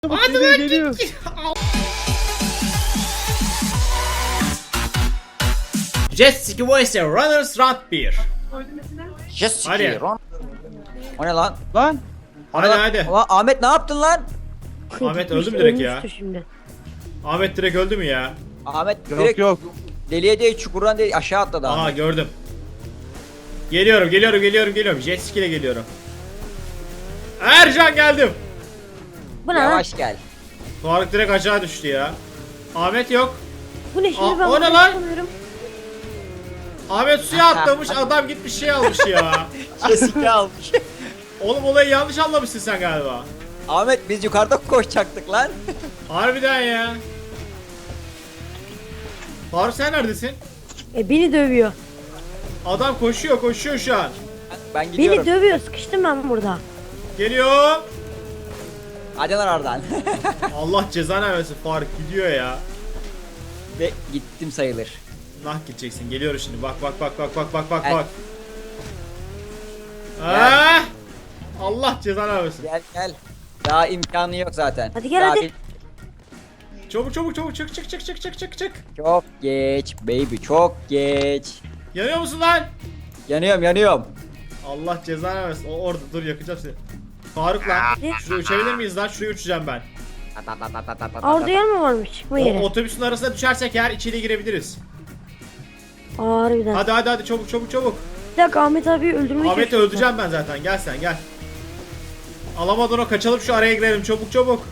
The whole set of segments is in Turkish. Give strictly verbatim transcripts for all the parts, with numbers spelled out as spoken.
Hadi lan geliyor. Jet Ski Voice Runners Round bir. Yes, Hadi. Ron. O ne lan? Lan. Hadi Lan- hadi. Ulan Ahmet ne yaptın lan? Ahmet öldü mü direkt ya? Ölmüştü Şimdi. Ahmet direkt öldü mü ya? Ahmet Yok direkt yok. deliye değil çukurdan değil aşağı atladı Aha Ahmet. gördüm. Geliyorum geliyorum geliyorum geliyorum. Jet Ski ile geliyorum. Ercan geldim. Bu ne lan? Yavaş gel. Faruk direkt aşağı düştü ya. Ahmet yok. Bu ne şimdi Aa, ben o ne bunu lan? yapamıyorum. Ahmet suya atlamış, adam gitmiş şey almış ya. Kesinlikle almış. Oğlum olayı yanlış anlamışsın sen galiba. Ahmet biz yukarıda koşacaktık lan. Harbiden ya. Faruk sen neredesin? E beni dövüyor. Adam koşuyor koşuyor şu an. Ben gidiyorum. Beni dövüyor. Sıkıştım ben burada. Geliyor. Hadi lan oradan. Allah cezanı versin, Faruk gidiyor ya. Ve gittim sayılır. Nah gideceksin, geliyor şimdi, bak bak bak bak bak bak bak Gel. bak. Ah! Allah cezanı versin. Gel gel. Daha imkanı yok zaten. Hadi gel, Daha hadi. bir- Çabuk çabuk çabuk çık çık çık çık çık çık çık. Çok geç baby çok geç. Yanıyor musun lan? Yanıyorum yanıyorum. Allah cezanı versin. O orada dur, yakacağım seni. Faruk lan. Ne? Şuraya uçabilir miyiz lan? Şuraya uçacağım ben. Orada yer mi varmış? Çıkma O, yeri. otobüsün arasına düşersek eğer içeriye girebiliriz. Harbiden. Hadi hadi hadi çabuk çabuk çabuk. Bir dakika Ahmet abi öldürmeye Ahmet'i çalışıyorum. öldüreceğim ben zaten. Gel sen gel. Alamadın o, kaçalım şu araya girelim çabuk çabuk.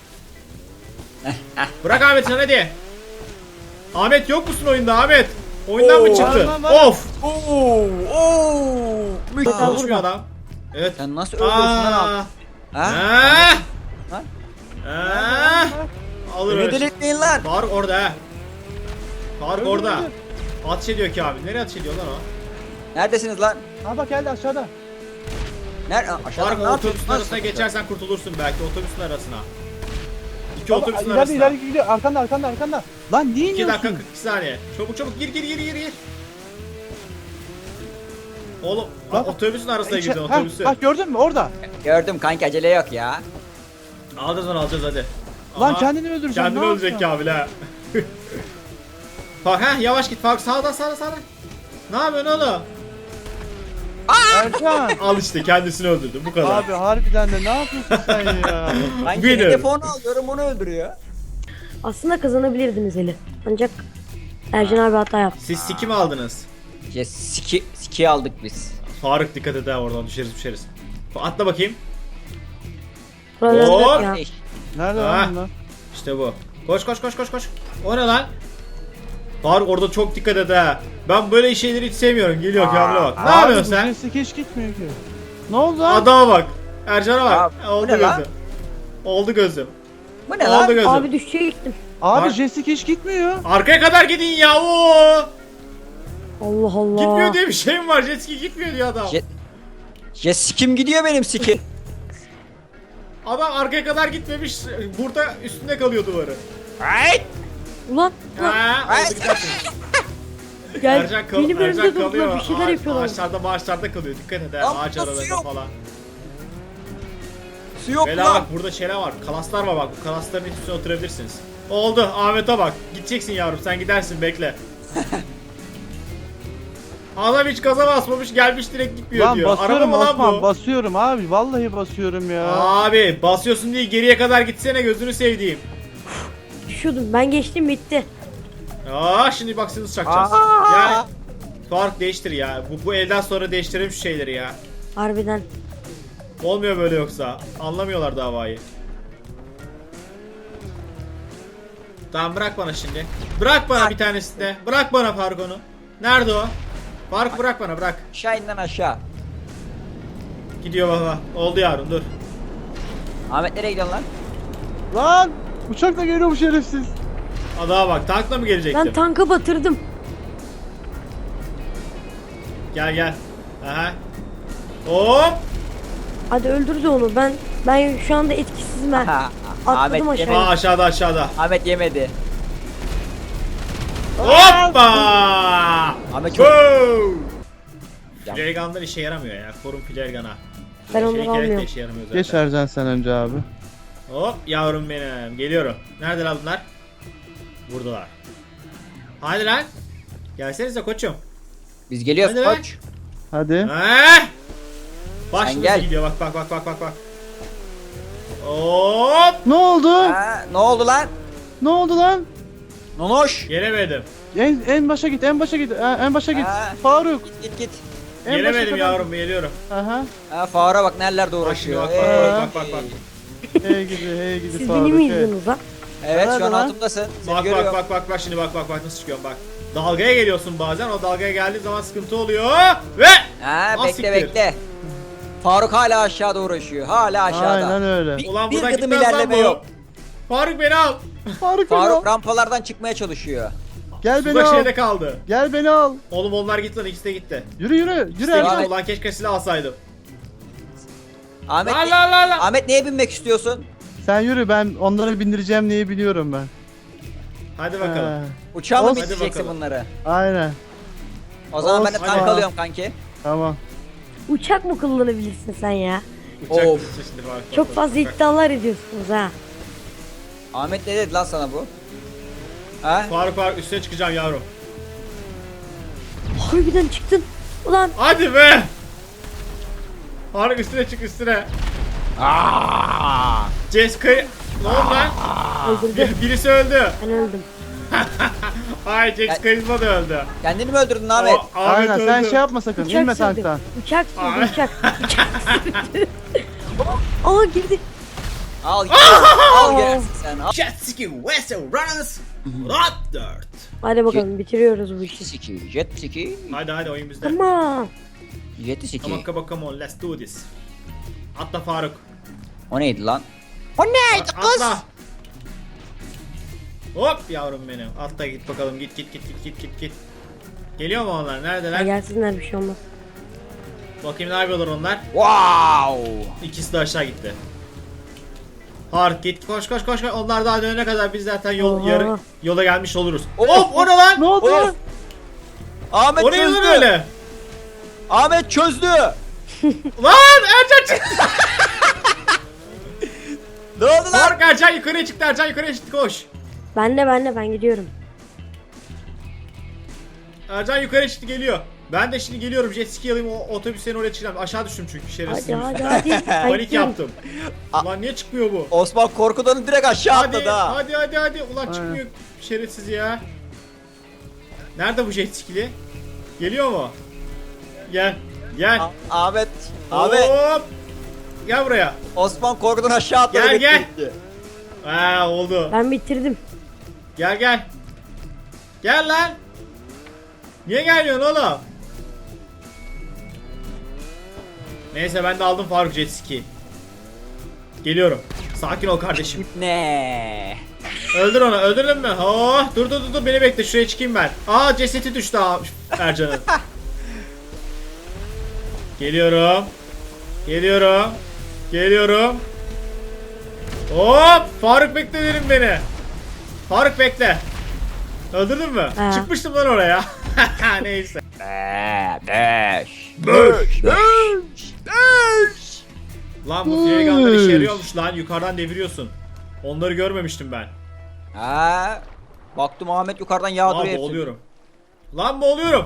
Bırak Ahmet sen hadi. Ahmet yok musun oyunda Ahmet? Oyundan mı Oo, çıktı? var, var. Of. Oo, oo. Aa, Konuşmuyor burada. adam. Evet. Sen nasıl öldürsün lan Aa. abi? Ha? Ha? Ha? Ha? Alır Beni öyle. delirtmeyin lan. Faruk orada ha. Faruk Öldür, orada. öldür. Ateş ediyor ki abi. Nereye ateş ediyor lan o? Neredesiniz lan? Ha bak geldi aşağıda. Nerede? Aşağıda Faruk ne o yapıyorsun? otobüsün arasına geçersen kurtulursun belki, otobüsün arasına. İki Baba, otobüsün ileride arasına. ileride gidiyor. Arkanda arkanda arkanda. Lan niye iki dakika iniyorsun? kırk iki saniye. Çabuk çabuk gir gir gir gir gir. Oğlum Bak, otobüsün arasına İçe- girdin, Ha, otobüsü. bak gördün mü orada? Gördüm kanki acele yok ya. Alacağız onu, alacağız hadi. Lan Aha, kendini öldüreceksin. kendini ne ölecek yapacaksın? Kamil ha. Bak ha, yavaş git Faruk, sağdan sağdan sağdan. Ne yapıyorsun oğlum? Ercan. Al işte, kendisini öldürdü, bu kadar. Abi harbiden de ne yapıyorsun sen ya? Kanki Winner. telefonu alıyorum onu öldürüyor. Aslında kazanabilirdiniz Eli. Ancak Ercan abi hata yaptı. Siz siki mi aldınız? Ya siki, siki aldık biz. Faruk dikkat et ha, oradan düşeriz düşeriz. Atla bakayım. Buraları Oo. yok ya. Nerede Ha. lan bunlar? İşte bu. Koş koş koş koş koş. O ne lan? Faruk orada çok dikkat et ha. Ben böyle şeyleri hiç sevmiyorum. Geliyor Kamil'e bak. Ne Abi, yapıyorsun bu sen? sesi hiç gitmiyor ki. Ne oldu lan? Adama bak. Ercan'a bak. Abi, bu Oldu ne lan? gözüm. Oldu gözüm. Bu ne Oldu lan? gözüm. Abi düşüşe gittim. Abi Var. Jessica hiç gitmiyor. Arkaya kadar gidin ya. Oo! Allah Allah. Gitmiyor diye bir şey mi var? Jet ski gitmiyor diyor adam. Je- Ya sikim gidiyor benim siki. Adam arkaya kadar gitmemiş. Burada üstünde kalıyor duvarı. Ay! Ulan. ulan. Ha, oldu gidersin. Gel. Ercan, kal Benim Ercan önümde durdular kalıyor. bir şeyler Ağaç- yapıyorlar. Ağaçlarda maaşlarda kalıyor. Dikkat et ha. Lan Ağaç nasıl aralarında yok? falan. Su yok Bela lan. bak, burada şeyler var. Kalaslar var bak. Bu kalasların üstüne oturabilirsiniz. Oldu. Ahmet'e bak. Gideceksin yavrum. Sen gidersin, bekle. Adam hiç gaza basmamış, gelmiş direkt gitmiyor Lan diyor. Araba basıyorum mı lan Osman bu? basıyorum abi. Vallahi basıyorum ya. Abi basıyorsun diye geriye kadar gitsene, gözünü sevdiğim. Düşüyordum. Ben geçtim bitti. Aa, şimdi bak sizi çakacağız. Aa! Yani Fark değiştir ya. Bu, bu elden sonra değiştirelim şu şeyleri ya. Harbiden. Olmuyor böyle yoksa. Anlamıyorlar davayı. Tamam, bırak bana şimdi. Bırak bana bir tanesini de. Bırak bana Faruk onu. Nerede o? Faruk bırak bana, bırak. Aşağı in lan aşağı. Gidiyor baba. Oldu yavrum, dur. Ahmet nereye gidiyorsun lan? Lan uçakla geliyor bu şerefsiz. Adama bak, tankla mı gelecektim? Ben tankı batırdım. Gel gel. Aha. Hop. Hadi öldürdü onu. Ben ben şu anda etkisizim ben. Ha, Atladım Ahmet aşağıya. yemedi. Aa, aşağıda aşağıda. Ahmet yemedi. Hoppa. Ahmet çok... Wow. Ya. Flare gun'lar işe yaramıyor ya. Korun flare gun'a. Ben Şey onları gerek de almıyorum. işe yaramıyor zaten. Geç Ercan sen önce abi. Hop yavrum benim. Geliyorum. Neredeler bunlar? Buradalar. Hadi lan. Gelsenize koçum. Biz geliyoruz Hadi lan. koç. Hadi. Heh. Baş Sen nasıl gel. gidiyor bak bak bak bak bak bak. Hop. Ne oldu? Ha, ne oldu lan? Ne oldu lan? Nonoş. Gelemedim. En, en başa git, en başa git, ha, en başa git. Ha. Faruk. Git git git. En başa Gelemedim kadar yavrum git. geliyorum. Aha. Ha, Faruk'a bak nerelerde Bak şimdi uğraşıyor. bak bak Hey. bak bak bak bak. Hey gidi, hey gidi Siz Faruk. beni mi hey. izliyorsunuz lan? Evet şu Nerede an lan? altımdasın. Seni Bak görüyorum. bak bak bak bak şimdi bak bak bak nasıl çıkıyorum bak. Dalgaya geliyorsun bazen o dalgaya geldiği zaman sıkıntı oluyor ve Ha Ah, bekle siktir. bekle. Faruk hala aşağıda uğraşıyor. Hala aşağıda. Aynen öyle. Bir, ulan bir buradan gıdım gitmez lan ilerleme bu. yok. Faruk beni al. Faruk, Faruk beni al. rampalardan çıkmaya çalışıyor. Gel beni Suda al. şeyde kaldı. Gel beni al. Oğlum onlar gitti lan ikisi de gitti. Yürü yürü, yürü İkisi de Ercan. gitti Ahmet. ulan keşke silah alsaydım. Ahmet, La la la la. Ahmet neye binmek istiyorsun? Sen yürü, ben onları bindireceğim neyi biliyorum ben. Hadi bakalım. Ha, Uçağa mı Olsun. Hadi bindireceksin bakalım. bunları? aynen, O zaman ben de Olsun. tank Hadi. alıyorum kanki. tamam. Uçak mı kullanabilirsin sen ya? Uçak Of. gitti şimdi Faruk. Çok Bak, fazla bak, bak. iddialar ediyorsunuz ha. Ahmet ne dedi lan sana bu? Ha? Faruk Faruk üstüne çıkacağım yavrum. Harbiden çıktın. Ulan Hadi be. Faruk üstüne çık üstüne. Jessica ne oldu lan? öldürdü. Bir- Birisi öldü. Ben öldüm. Ay Jax Karizma da öldü. Kendini mi öldürdün Ahmet? O- Ahmet Aynen, öldü. sen şey yapma sakın, Uçak inme sürdü. tanktan. Uçak sürdü Ay. uçak. Uçak sürdü. Aa girdi. Al gel. Al gelsin sen. Al. Jet Ski Western Runners Raptor. Hadi bakalım bitiriyoruz bu işi. Siki, jet ski, Hadi hadi oyun bizde. Tamam. jet ski. Come on come on come on let's do this. Atla Faruk. O neydi lan? O neydi Atla. Hop yavrum benim. Atla git bakalım git git git git git git git. Geliyor mu onlar? Ya Neredeler? gelsinler bir şey olmaz. Bakayım ne yapıyorlar onlar? Wow. İkisi de aşağı gitti. Faruk git koş koş koş koş. Onlar daha dönene kadar biz zaten yol Oha. yarı yola gelmiş oluruz. Of, Hop o ne lan? Ne oldu Of. lan? Ahmet O ne lan çözdü. öyle? Ahmet çözdü. Lan Ercan çıktı. Ne oldu lan? Faruk Ercan yukarıya çıktı. Ercan yukarıya çıktı koş. Ben de ben de ben gidiyorum. Ercan yukarı çıktı geliyor. Ben de şimdi geliyorum jet ski alayım o otobüslerin oraya çıkacağım. Aşağı düştüm çünkü şerefsiz. Hadi hadi hadi. Ben Panik gidiyorum. yaptım. Ulan niye çıkmıyor bu? Osman korkudan direkt aşağı Hadi atladı ha. hadi hadi hadi. Ulan çıkmıyor şerefsiz ya. Nerede bu jet skili? Geliyor mu? Gel. Gel. Ah- Ahmet. Ahmet. Hop. Gel buraya. Osman korkudan aşağı atladı. Gel, gel. gitti. Ha oldu. Ben bitirdim. Gel gel. Gel lan. Niye gelmiyorsun oğlum? Neyse ben de aldım Faruk jet ski. Geliyorum. Sakin ol kardeşim. Ne? Öldür onu. Öldürdün mü? Oh, dur dur dur dur beni bekle. Şuraya çıkayım ben. Aa cesedi düştü ha Ercan'ın. Geliyorum. Geliyorum. Geliyorum. Hop! Faruk bekle derim beni. Faruk bekle. Öldürdün mü? Ha. Çıkmıştım lan oraya. Neyse. Beş. Beş, Beş. Beş. Lan bu freganlar işe yarıyormuş lan. Yukarıdan deviriyorsun. Onları görmemiştim ben. Ha. Baktım Ahmet yukarıdan Aa yağdırıyor hepsini. boğuluyorum. Lan boğuluyorum.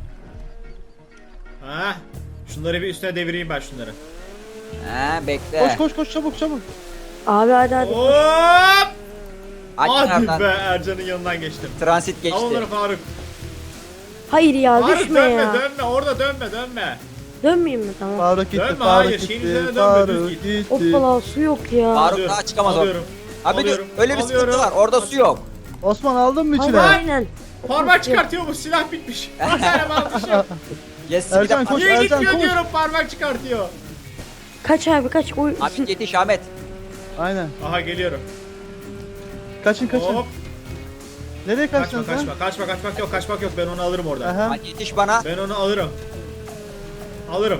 Ha. Şunları bir üstüne devireyim ben şunları. Ha bekle. Koş koş koş çabuk çabuk. Abi hadi hadi. Hop! Aç Hadi kenardan. be Ercan'ın yanından geçtim. Transit Al geçti. onları Faruk. Hayır ya Faruk düşme dönme ya. dönme orada dönme dönme. Dönmeyeyim mi tamam. Faruk gitti, Dönme, Faruk hayır, şeyin gitti, üzerine dönme, Faruk düz git. gitti. Hoppala su yok ya. Faruk Alıyorum, daha çıkamaz o. alıyorum, Abi dur alıyorum, öyle bir alıyorum. sıkıntı var. Orada su yok. Osman aldın mı Hayır, içine? aynen. Parmak çıkartıyor bu silah bitmiş. Bir tane almışım. Yes, Ercan, bir de- koş. Niye Ercan, gitmiyor koş. diyorum parmak çıkartıyor. Kaç abi kaç. Oy. Ahmet yetiş Ahmet. Aynen. Aha geliyorum. Kaçın kaçın. Hop. Nereye Kaçma kaçtın sen? kaçma kaçma kaçmak yok kaçmak yok ben onu alırım oradan. Aha. Hadi yetiş bana. Ben onu alırım. Alırım.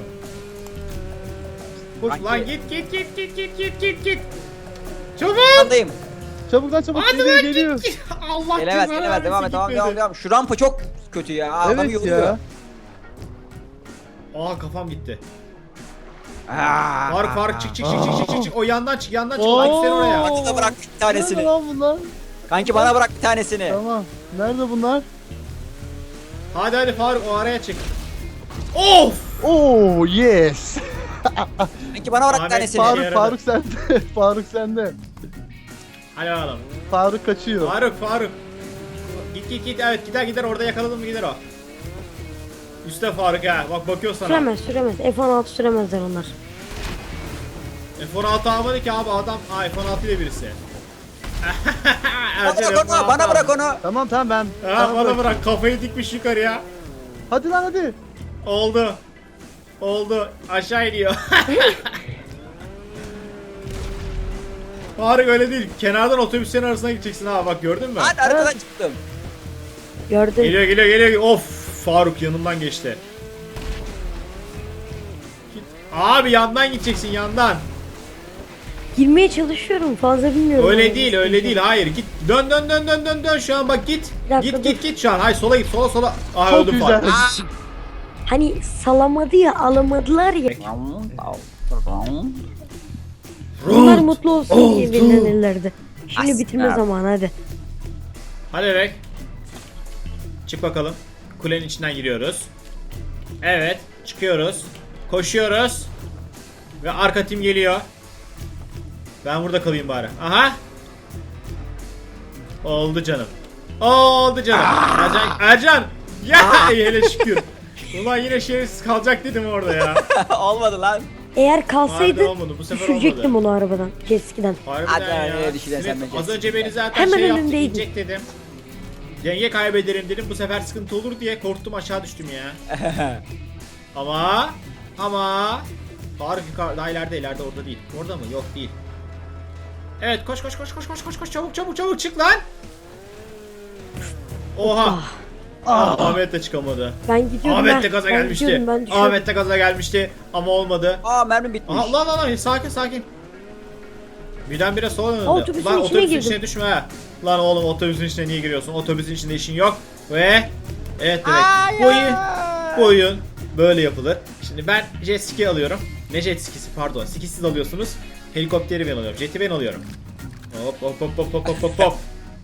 Koş. Lan git git git git git git git git. Çabuk. Andayım. Çabuk lan çabuk Hadi geliyor lan geliyor. git git. Allah Gelemez cezanı gelemez. Devam et vermesin, devam gitmedi. devam devam. Şu rampa çok kötü ya. Adam Evet yoruluyor. ya. Aa kafam gitti. Aa, Faruk Faruk çık çık çık çık çık çık çık. O yandan çık yandan çık. Hadi sen oraya. Hadi da bırak bir Nerede tanesini. lan bunlar? Kanki bana bırak bir tanesini. Tamam. Nerede bunlar? Hadi hadi Faruk o araya çık. Of! Oh yes. Kanki bana bırak bir Ahmet, tanesini. Faruk- Faruk yaradı. Faruk sende. Faruk sende. Hadi bakalım. Faruk kaçıyor. Faruk Faruk. Git git git evet gider gider orada yakaladım mı gider o. Üste Faruk ha bak bakıyor sana. Süremez süremez. F on altı süremezler onlar. F on altı almadı ki abi adam. Aa F on altı ile birisi. Bana Ercan bırak F on altı onu. Bana bırak aldı. onu. Tamam tamam ben. Ha, sana bana bırak- bırak kafayı dikmiş yukarıya. Hadi lan hadi. Oldu. Oldu. Aşağı iniyor. Faruk öyle değil. Kenardan otobüslerin arasına gideceksin ha bak gördün mü? Hadi arkadan çıktım. Gördün. Geliyor geliyor geliyor. Of Faruk yanımdan geçti. Git. Abi yandan gideceksin yandan. Girmeye çalışıyorum. Fazla bilmiyorum. Öyle Yani. değil öyle değil hayır git. Dön dön dön dön dön dön şu an bak git. Bir dakika, Git dur. git git şu an. Hayır sola git sola sola. Aa Çok öldüm güzel. Faruk. Hani salamadı ya alamadılar ya. Bunlar mutlu olsun diye belirlenirlerdi. Şimdi As- bitirme ha. zamanı hadi. Hadi Rek. Çık bakalım. Kulenin içinden giriyoruz. Evet. Çıkıyoruz. Koşuyoruz. Ve arka tim geliyor. Ben burada kalayım bari. Aha. Oldu canım. Oldu canım. Ercan. Ercan. Ya hele şükür. Ulan yine şerefsiz kalacak dedim orada ya. Olmadı lan. Eğer kalsaydı Harbiden olmadı, bu sefer düşürecektim onu arabadan. Jet ski'den. Harbiden Hadi ya. nereye düşeceksin sen Evet, be az Jessica? önce beni zaten Hemen şey yaptı önümdeydin. inecek dedim. Denge kaybederim dedim. Bu sefer sıkıntı olur diye korktum aşağı düştüm ya. Ama ama Faruk yukarı daha ileride ileride orada değil. Orada mı? Yok değil. Evet koş koş koş koş koş koş koş çabuk çabuk çabuk çık lan. Oha. Ah, Ahmet de çıkamadı. Ben gidiyorum. Ahmet ben. de gaza Ben gelmişti. gidiyorum, ben düşüyorum. Ahmet de gaza gelmişti ama olmadı. Aa mermi bitmiş. Aha, lan lan lan sakin sakin. Birdenbire sola döndü. Otobüsün Lan içine otobüsün girdim. içine düşme ha. Lan oğlum otobüsün içine niye giriyorsun? Otobüsün içinde işin yok. Ve evet demek bu oyun, bu oyun böyle yapılır. Şimdi ben jet ski alıyorum. Ne jet skisi pardon. Ski siz alıyorsunuz. Helikopteri ben alıyorum. Jet'i ben alıyorum. Hop hop hop hop hop hop hop hop.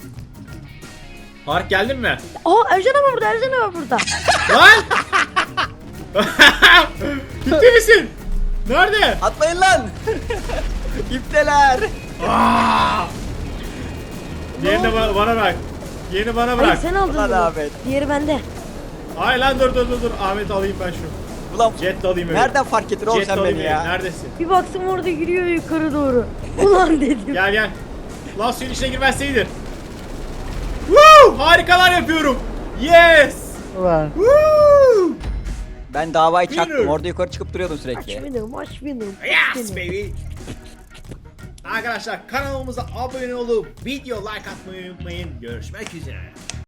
Fark geldin mi? Aa Ercan abi burada, Ercan abi burada. Lan! Ciddi misin? Nerede? Atlayın lan. İpteler. Diğerini bana, bana bırak. Diğerini bana Hayır bırak. sen aldın Ulan bunu. Ahmet. Diğeri bende. Hayır lan dur dur dur dur. Ahmet alayım ben şu. Ulan Jet de alayım öyle. nereden fark ettin oğlum Jet de sen alayım beni öyle. ya? Neredesin? Bir baktım orada yürüyor yukarı doğru. Ulan dedim. Gel gel. Lan suyun içine girmezseydin. Woo! Harikalar yapıyorum. Yes! Ulan. Woo! Ben davayı çaktım. Winner. Orada yukarı çıkıp duruyordum Aç sürekli. benim, aç benim. Yes baby. Arkadaşlar kanalımıza abone olup video like atmayı unutmayın. Görüşmek üzere.